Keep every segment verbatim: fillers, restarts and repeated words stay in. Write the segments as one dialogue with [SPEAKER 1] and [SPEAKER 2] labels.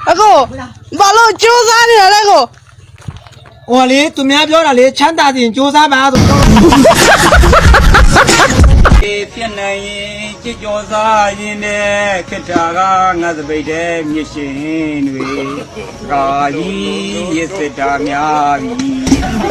[SPEAKER 1] ako bảo lộ chưa ra thì ở đây cô
[SPEAKER 2] ủa lý tụi mẹပြောlà lý chán ta thì chưa ra bà rồi
[SPEAKER 3] phiên này chỉ cho ra gì nè cái trà ga ngã về đây như xin về ra gì như sẽ ra nhà đi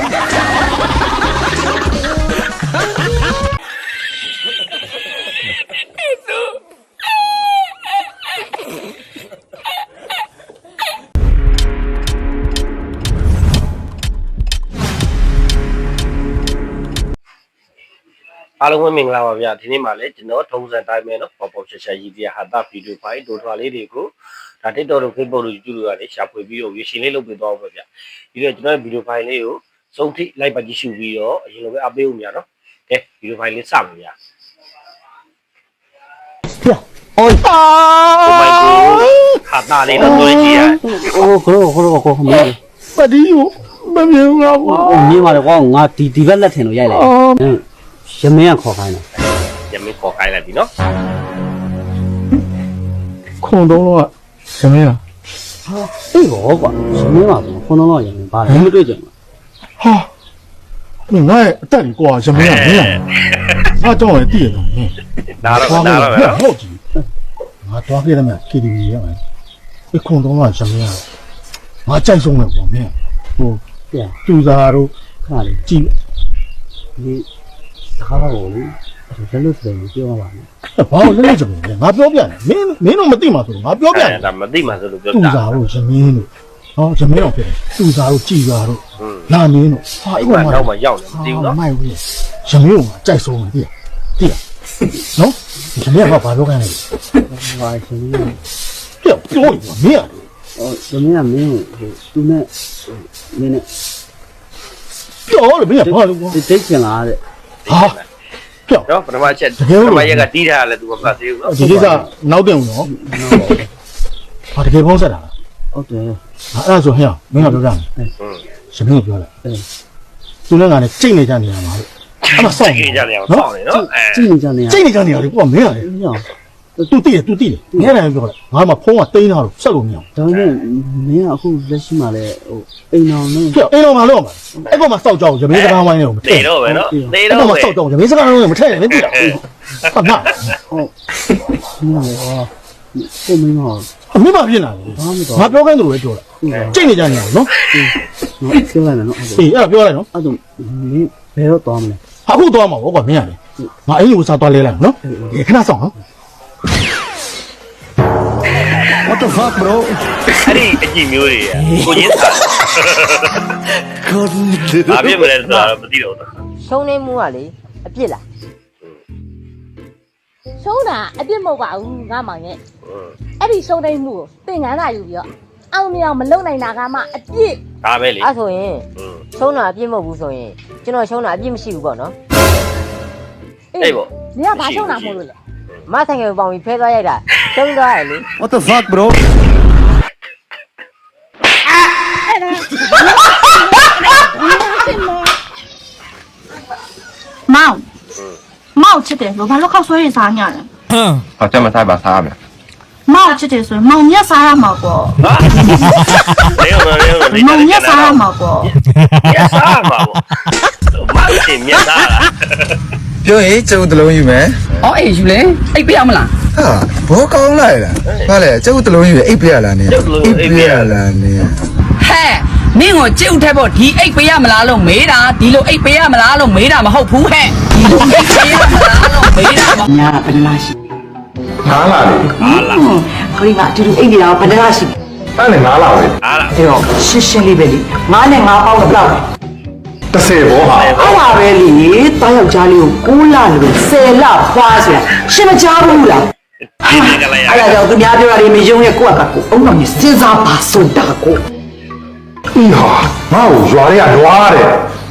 [SPEAKER 4] အားလုံးပဲမင်္ဂလာပါဗျာဒီနေ့မှလည်းကျွန်တော်ထုံးစံတိုင်းပဲเนาะပေါ်ပေါ်ချက်ချက်ရည်ပြဟာတာဗီဒီယိုဖိုင်ဒိုထွာလေးတွေကိုဒါ TikTok တို့ Facebook တို့ YouTube တို့ကနေရှာဖွေပြီးတော့ view ရှင်လေးလုပ်ပေးသွားပါဗျာပြီးတော့ကျွန်တော်ဗီဒီယိုဖိုင်လေးကိုစုံထိလိုက်ပါကြည့်ရှုပြီးတော့အရင်လိုပဲအပေးဦးများเนาะကဲဗီဒီယိုဖိုင်လေးစပါဗျာโอ้ยโอ้ my god ဟာတာလေးတော့တွေ့ကြည့်ရโอ้ခရောခရောကိုခမေး
[SPEAKER 2] ပဒီယိုမမြင်တော့ဘူး
[SPEAKER 5] မြင်ပါလေကွာငါဒီဒီဘက်လက်ထင်လို့ရိုက်လိုက်တယ်ရမင်းကခေါ်ခိုင်းတယ်
[SPEAKER 4] ရမင်းခေါ်ခိုင်းလိုက်ပြီနော်
[SPEAKER 2] ခုံတော့ကရမင်းလား
[SPEAKER 5] ဟာအေးရောကွာရမင်းပါဆိုခုံတော့ရမင်းပါလေမတွေ့ကြဘူး
[SPEAKER 2] ဟာငါ့အတက်ကြီးကွာရမင်းကမင်းငါတော့ရတည်ရတယ်မင်း
[SPEAKER 4] နားတော့နားတော့ပဲ
[SPEAKER 2] ဟုတ်ကြည့်ငါတော့ခဲ့တယ်မကီဒီဗီရမယ်ဒီခုံတော့ကရမင်းကငါကြိုက်ဆုံးတယ်ကွာမင်းဟိုကျူစာတို့
[SPEAKER 5] ခါလေး
[SPEAKER 2] ကြည့်
[SPEAKER 5] ဒီခါတော့လေဘယ်လိုဆိုရင်ပြောပါမယ်
[SPEAKER 2] ဘာလို့လဲကြမလဲငါပြောပြတယ်မင်းမင်းတော့မသိမှာဆိုငါပြောပြတယ်
[SPEAKER 4] ဒါမသိမှာဆိုလို့ပြော
[SPEAKER 2] တာကျူစာတို့ရမင်းတို့ဟောရမင်းတော့ဖြစ်တယ်ကျူစာတို့ကြည်စာတို့လာမင်းတို့
[SPEAKER 4] ဟာအိမ်မှာတော့မရောက်တယ်မသိဘူးနော်
[SPEAKER 2] မိုက်ဘူးရမင်းကကြိုက်ဆုံးတယ်သိလားနော်ရမင်းကဘာပြောခိုင်းလဲ
[SPEAKER 5] ဟာရှင်
[SPEAKER 2] ပြောပြောရမင်း
[SPEAKER 5] ဟိုရမင်းကမင်းဟိုသူနဲ့မင်းနဲ့
[SPEAKER 2] ပြောလို့မင်းကဘာလို့
[SPEAKER 5] တိတ်ချင်လားတဲ့
[SPEAKER 2] ဟာပြော
[SPEAKER 4] နော်ပထမချက်ပထမရက်ကတီးထားလဲသူကမသိဘူးနော်
[SPEAKER 2] ဒီကိစ္စနောက်တင်ဦးနော်ဟာတကယ်ပေါင်းဆက်တာ
[SPEAKER 5] ဟုတ်တယ်
[SPEAKER 2] အဲ့ဒါဆိုဟဲ့မင်းကပြောပြမယ်ရမင်းကပြောလိုက်သူနဲ့ငါနဲ့ကြိတ်နေကြနေရမှာလို့အဲ့မှာစောင့်
[SPEAKER 4] နေကြနေအောင်စောင့်နေနော်
[SPEAKER 5] ကြိတ်နေကြနေရ
[SPEAKER 2] ကြိတ်နေကြနေရလေကိုကမင်းရတယ်သူတည်တယ်သူတည်တယ်ငဲတယ်ပြောလိုက်ငါမှဖုန်းကတိန်းထားလို့ဆက်လို့မရဘူး
[SPEAKER 5] ဒါပေမဲ့မင်းကအခုလက်ရှိမှလည်းဟိုအိမ်တော်နဲ့
[SPEAKER 2] ပြောအိမ်တော်မှာလို့မှာအဲ့ကောင်မှစောက်ကြောက်ရမင်းစကားဝိုင်းနေကိုမထည့်
[SPEAKER 4] တော့ပဲနော်နေ
[SPEAKER 2] တော့ပဲစောက်ကြောက်ရမင်းစကားဝိုင်းကိုမထည့်နဲ့မသိတာဟုတ်နာ
[SPEAKER 5] ဟုတ်မင်းလည်းဟောကိုမင်းဟော
[SPEAKER 2] အမင်းမဖြစ်လာဘူးငါပြောခိုင်းတယ်လို့ပဲပြောတာကြိတ်နေကြနေအောင်နော်
[SPEAKER 5] နော်ပြောလိုက်မယ်နော်
[SPEAKER 2] အေးအဲ့ဒါပြောလိုက်နော်
[SPEAKER 5] အဲ့ဒါမင်းဘယ်တော့သွားမလဲ
[SPEAKER 2] ဟာအခုသွားမှာပေါ့ကွာမင်းရတယ်ငါအိမ်ကိုစားသွားလဲလိုက်နော်ဒီခဏဆောင်နော်What the fuck bro
[SPEAKER 4] အဲ့ဒီအကြည့်မျိုးတွေကိုရင်းစားဘာဖြစ်မလဲဆိုတာတော့မသိတော့ဘူး
[SPEAKER 6] ရှုံးနေမှုကလေအပြစ်လားရှုံးတာအပြစ်မဟုတ်ပါဘူးငါမောင်ရဲ့အဲ့ဒီရှုံးနေမှုကိုသင်္ကန်းသာယူပြီးတော့အောင်မြောင်မလုံနိုင်တာကမှအပြစ်
[SPEAKER 4] ဒါပဲလေ
[SPEAKER 6] အဲ့ဆိုရင်ရှုံးတာအပြစ်မဟုတ်ဘူးဆိုရင်ကျွန်တော်ရှုံးတာအပြစ်မရှိဘူးပေါ့နော်
[SPEAKER 4] အေးပေါ့
[SPEAKER 6] နင်ကဘာရှုံးတာမဟုတ်လို့လဲမဆိုင်ကပေါင်ပြီးဖဲသွားရိုက်တာရှုံးသွားရလေ
[SPEAKER 2] What the fuck bro
[SPEAKER 7] မောင်မောင်ချစ်တယ်လို့ဘာလို့ခောက်ဆွဲရင်စားညလဲ
[SPEAKER 8] ဟောကြမစားပါစားမယ်
[SPEAKER 7] မောင်ချစ်တယ်ဆိုရင်မောင်မြတ်စားရမှာပေါ့
[SPEAKER 4] လေရောလေရော
[SPEAKER 7] မောင်မြတ်စားရမှာပေါ့
[SPEAKER 4] မြတ်စားမှာပေါ့မင်းမြတ်စားလား
[SPEAKER 8] ပြောရင်ကျုပ်တလုံးယူမယ်
[SPEAKER 9] ။အော်အေးယူလေအိတ်ပြရမလား
[SPEAKER 8] ။ဟာဘောကောင်းလိုက်လား။ဟာလေကျုပ်တလုံးယူအိတ်ပြရလားနင်။အိတ်ပြရလားနင်
[SPEAKER 9] ။ဟဲ့မင်းကိုကြည့်ဦးထက်ပေါ့ဒီအိတ်ပြရမလားလို့မေးတာဒီလိုအိတ်ပြရမလားလို့မေးတာမဟုတ်ဘူးဟဲ့။ဒီလိုအိတ်ပြရမလားလို့မေးတာမ
[SPEAKER 5] ညာဘယ်လားရှိ
[SPEAKER 8] ငါးလာလေ
[SPEAKER 9] ငါးလာ
[SPEAKER 5] ခရီးမှာအတူတူအိတ်နေတာဘယ်လားရှိ
[SPEAKER 8] အဲ့လေငါးလာပဲ
[SPEAKER 4] အားလား
[SPEAKER 5] အေးတော့ရှင်းရှင်းလေးပဲလေငါးနဲ့ငါးပေါင်းတော့ဘယ်လောက်လဲ
[SPEAKER 8] တစ်ဆယ်ဘောဟာ
[SPEAKER 5] အဲ့ပါပဲလေတားယောက်ျားလေးကိုကိုးလလို့ဆယ်လဖွားဆိုတာရှင်းမကြားဘူးလားအဲ့ဒါကြောင့်သူများပြောတာတွေမယုံရဲ့ကိုယ့်အကကိုအုံတော်ကြီးစဉ်းစားပါဆိုတာကို
[SPEAKER 8] အီဟာငါ့ကိုရွာတွေကလွားတယ်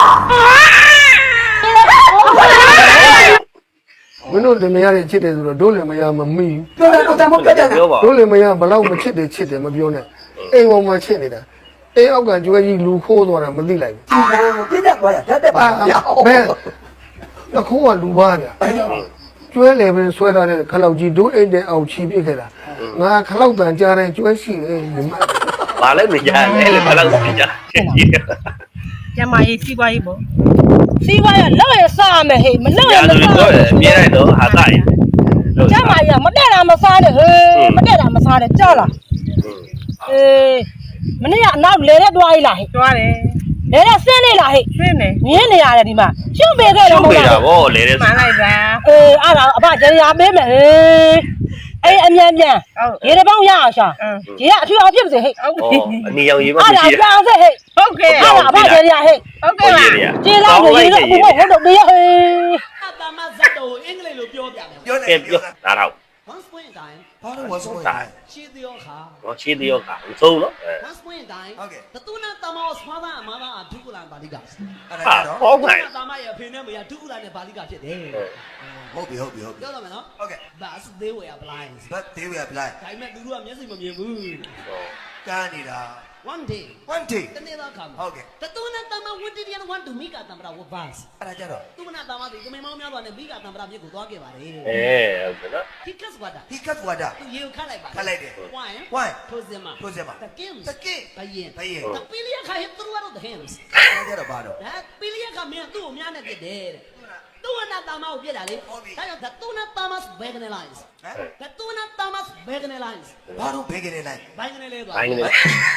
[SPEAKER 2] မင်းတို့လည်းမရတဲ့ချစ်တယ်ဆိုတော့တို့လည်းမရမမီး
[SPEAKER 5] ပြောတယ်တော့တမပြောတယ်
[SPEAKER 2] တို့လည်းမရဘလောက်မချစ်တယ်ချစ်တယ်မပြောနဲ့အိမ်ပေါ်မှာချစ်နေတာအေးအောက်ကကျွဲကြီးလူခိုးသွားတာမသိလိုက်ဘူး
[SPEAKER 5] ပြတ်သွားတာတက်တက်ပါ
[SPEAKER 2] ဘယ်တခိုးကလူပါဗျာ
[SPEAKER 10] ကျွဲလေပဲဆွဲထားတဲ့ခလောက်ကြီးဒိုးအိတ်တဲ့အောင်ချီပြစ်ခဲ့တာငါခလောက်တန်ကြားတဲ့ကျွဲရှိတယ်ညီမ
[SPEAKER 4] ဘာလဲမကြလဲလေဘာလို့မကြ
[SPEAKER 1] ကျမကြီးစီးပွားရေးပေါ့စီးပွားရေးလောက်ရစားမယ်ဟေးမလောက်ရ
[SPEAKER 4] ရ
[SPEAKER 1] မ
[SPEAKER 4] သူ
[SPEAKER 1] စား
[SPEAKER 4] တော့မြဲလိုက်တော့ဟာတာရ
[SPEAKER 1] ကျမကြီးမတက်တာမစားနဲ့ဟေးမတက်တာမစားနဲ့ကြောက်လားအေးမနေ့ကအနောက်လဲတဲ့တွားကြီးလားဟေးတွားတယ်လဲတဲ့ဆင်းနေလားဟေးဆင်းနေမြင်းနေရတယ်ဒီမှာရှုပ်ပေးခဲ့တယ်မဟုတ်လား
[SPEAKER 4] ဗောလေတဲ့
[SPEAKER 1] မှန်လိုက်ပါအေးအဲ့ဒါအဖကျရာပေးမယ်ဟေးအေးအမြန်မြန်ရေတပေါင်းရအောင်ရှာရေကအထူးအောင်ဖြစ်ပါစေဟဲ့
[SPEAKER 4] ဩအနီရောင်ရေးမ
[SPEAKER 1] အဲ့
[SPEAKER 4] မရှိ
[SPEAKER 1] ဒါ
[SPEAKER 4] တာ
[SPEAKER 1] ပြောင်းစေဟဲ့ဟုတ်ကဲ့အဲ့ဒါအဖကျရာဟဲ့ဟုတ်ကဲ့ပါကျေးလာရေရေတော့ဘုဘဟုတ်တော့တေးဟေးအတမဇတ်တော်အင်္ဂလိပ်လိုပြောပြမယ်
[SPEAKER 8] ပြောနေ
[SPEAKER 4] ကဲပြောဒါတော့
[SPEAKER 1] Once point in time
[SPEAKER 8] ဘာလို့ဝါဆုံးလဲ
[SPEAKER 1] ရှင်းသေးခါ
[SPEAKER 4] ဟောရှင်းသေးရောကမဆုံးနော်
[SPEAKER 1] Once point in time
[SPEAKER 8] ဟုတ်ကဲ့
[SPEAKER 1] တတူနာတမောစဖာသာအမသာဒုက္ခလန်ပါဠိက
[SPEAKER 8] အဲ့ဒါ
[SPEAKER 4] ဟာ
[SPEAKER 8] ကြတော့
[SPEAKER 4] ဟောကဲ
[SPEAKER 1] တမရဲ့အဖေနဲ့မရဒုက္ခလန်နဲ့ပါဠိကဖြစ်တယ်
[SPEAKER 8] ဟုတ်ပြီဟုတ်ပြီဟုတ်ပြီ
[SPEAKER 1] ပြောတော့မယ်နော်
[SPEAKER 8] ဟုတ်ကဲ့
[SPEAKER 1] Bus they were blind
[SPEAKER 8] but they were blind
[SPEAKER 1] ဒါပေမဲ့သူတို့ကမျက်စိမမြင်ဘူး
[SPEAKER 8] ကန်းနေတာ
[SPEAKER 1] One day
[SPEAKER 8] one day
[SPEAKER 1] တနေ့တော့ခါမှာ
[SPEAKER 8] ဟုတ်ကဲ့
[SPEAKER 1] တတူနာတမဝတ္တိယန်want to make a tamra with bus
[SPEAKER 8] အဲ့ဒါကြတော့
[SPEAKER 1] သူမနာတမတွေကမေမောင်းများစွာနဲ့မိကတံပရာမြစ်ကိုသွားခဲ့ပါတယ်
[SPEAKER 4] အဲဟုတ်ကဲ့နော်
[SPEAKER 1] He cuts water
[SPEAKER 8] he cut water
[SPEAKER 1] သူရေကိုခတ်လိုက်ပါ
[SPEAKER 8] ခတ်လိုက်တယ်
[SPEAKER 1] Wine
[SPEAKER 8] why
[SPEAKER 1] ထိုးစင်မှာ
[SPEAKER 8] ထိုးစင်မှာ
[SPEAKER 1] တကင်း
[SPEAKER 8] တကင်း
[SPEAKER 1] ဘယင်
[SPEAKER 8] ဘယင်
[SPEAKER 1] တပီလီယခါဟစ်သူရတော့ the hymns
[SPEAKER 8] အဲ့ဒါကြတော့ဘာတော့
[SPEAKER 1] ဒါပီလီယခါမင်းသူ့ကိုများနဲ့ပြစ်တယ်တဲ့သူကနာတမကိုပြစ်တာလေဒါကြောင့် the tuna tamas begane lines
[SPEAKER 8] ဟမ်
[SPEAKER 1] the tuna tamas begane lines
[SPEAKER 8] ဘာလို့ဘေးကနေလိုက်
[SPEAKER 1] ဘိုင်းကနေလဲသွား
[SPEAKER 4] ဘိုင်းကနေ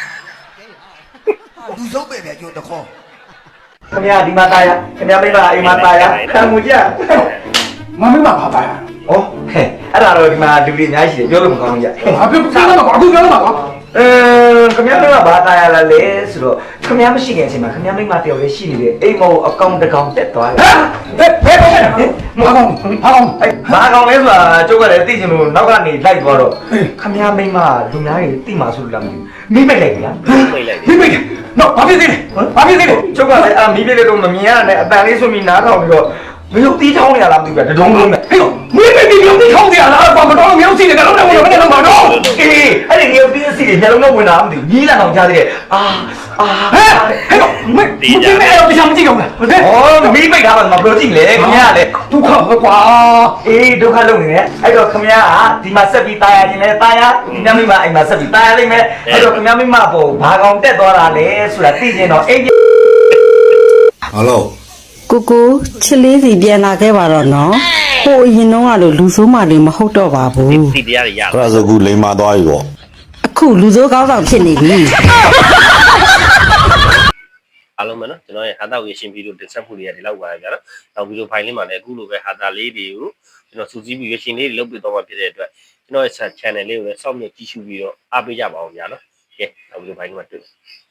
[SPEAKER 8] လူဆုံးပဲဗျာကျိုးတခေါ်
[SPEAKER 5] ခင်ဗျာဒီမှာตายရခင်ဗျာမိမအိမ်မှာตายရတန်ငူကြ
[SPEAKER 10] မမင်းမပါပါရ
[SPEAKER 5] ဩဟဲ့အဲ့ဒါတော့ဒီမှာလူတွေအများကြီးရှိတယ်ပြောလို့မကောင်းဘူးကြ
[SPEAKER 10] ဘာဖြစ်ပြောရမှာပါအခုပြောရမှာပါ
[SPEAKER 5] အင်းခင်ဗျားတို့ကဘာตายရလဲလေဆိုတော့ခင်ဗျားမရှိခင်အချိန်မှာခင်ဗျားမိမတယောက်လေးရှိနေတယ်အိမ်မောအကောင်တကောင်တက်သွားတယ်
[SPEAKER 10] ဟဲ့ဘယ်ဘယ်မကောင်ဟာကောင်
[SPEAKER 5] အဲ့ဘာကောင်လဲဆိုတာကျုပ်ကလည်းသိချင်လို့နောက်ကနေလိုက်သွားတော့ခင်ဗျားမိမလူများတွေသိမှာဆိုလို့လားမသိဘူးမိမိတ်လိုက်ဗျာ
[SPEAKER 4] မိတ်လိုက်
[SPEAKER 10] မိမိနော်ဘာဖြစ်သေးလဲဘာဖြစ်သေးလဲ
[SPEAKER 5] ကျုပ်ကလည်းအာမိလေးလေးတော့မမြင်ရနဲ့အတန်လေးဆိုပြီးနားထောင်ပြီးတော့မယုတ်တီးချောင်းနေရလားမသိဘူးဗျာတဒုံလုံးနဲ့
[SPEAKER 10] ဟေးမိမိမိပြုံးတိခေါင်းစီရလားဘာမတော်လို့မယုံစီတယ်ကတော့လည်းဝင်နေတော့မှာတော့
[SPEAKER 5] အေးအဲ့ဒီငယ်တီးအစီတွေညလုံးတော့ဝင်လာမှမသိဘူးညီးလာအောင်ကြားသေးတယ်အာအာ
[SPEAKER 10] ဟဲ့ဟဲ့မင်းဒီနေ့တော့တရားမကြည့်အောင်လားဟဲ့
[SPEAKER 5] ဩမိမိတ်ထားပါမပြောကြည့်လေခင်ဗျားလေ
[SPEAKER 10] ဒုက္ခပဲကွာ
[SPEAKER 5] အေးဒုက္ခလုံးနေတယ်အဲ့တော့ခင်ဗျားကဒီမှာဆက်ပြီးตายရခြင်းလဲตายရဒီညမိမအိမ်မှာဆက်ပြီးตายရလိမ့်မယ်အဲ့တော့ခင်ဗျားမိမပေါ်ဘာကောင်တက်သွားတာလဲဆိုတာသိကျင်တော့အိမ်
[SPEAKER 8] ဟယ်လို
[SPEAKER 11] ကိုကိုချစ်လေးစီပြန်လာခဲ့ပါတော့နော်ဟိုအရင်တော့ကလို့လူဆိုးမှလည်းမဟုတ်တော့ပါဘူး
[SPEAKER 4] စီတရားတွေရ
[SPEAKER 8] အဲ့ဒါဆိုခုလိန်မာသွားပြီပေါ့
[SPEAKER 11] အခုလူဆိုးကောင်းဆောင်ဖြစ်နေပြီ
[SPEAKER 4] အားလုံးပဲနော်ကျွန်တော်ရဲ့ဟာတာဝေရှင်ဗီဒီယိုတင်ဆက်မှုတွေကဒီလောက်ပါပဲဗျာနော်နောက်ဗီဒီယိုဖိုင်လေးမှာလည်းအခုလိုပဲဟာတာလေးတွေကိုကျွန်တော်စူးစီးပြီးရရှင်လေးတွေလုပ်ပြတော့မှဖြစ်တဲ့အတွက်ကျွန်တော်ရဲ့ channel လေးကိုလည်းစောင့်မျှကြည့်ရှုပြီးတော့အားပေးကြပါအောင်ဗျာနော်ကဲနောက်ဗီဒီယိုဖိုင်လေးမှာတွေ့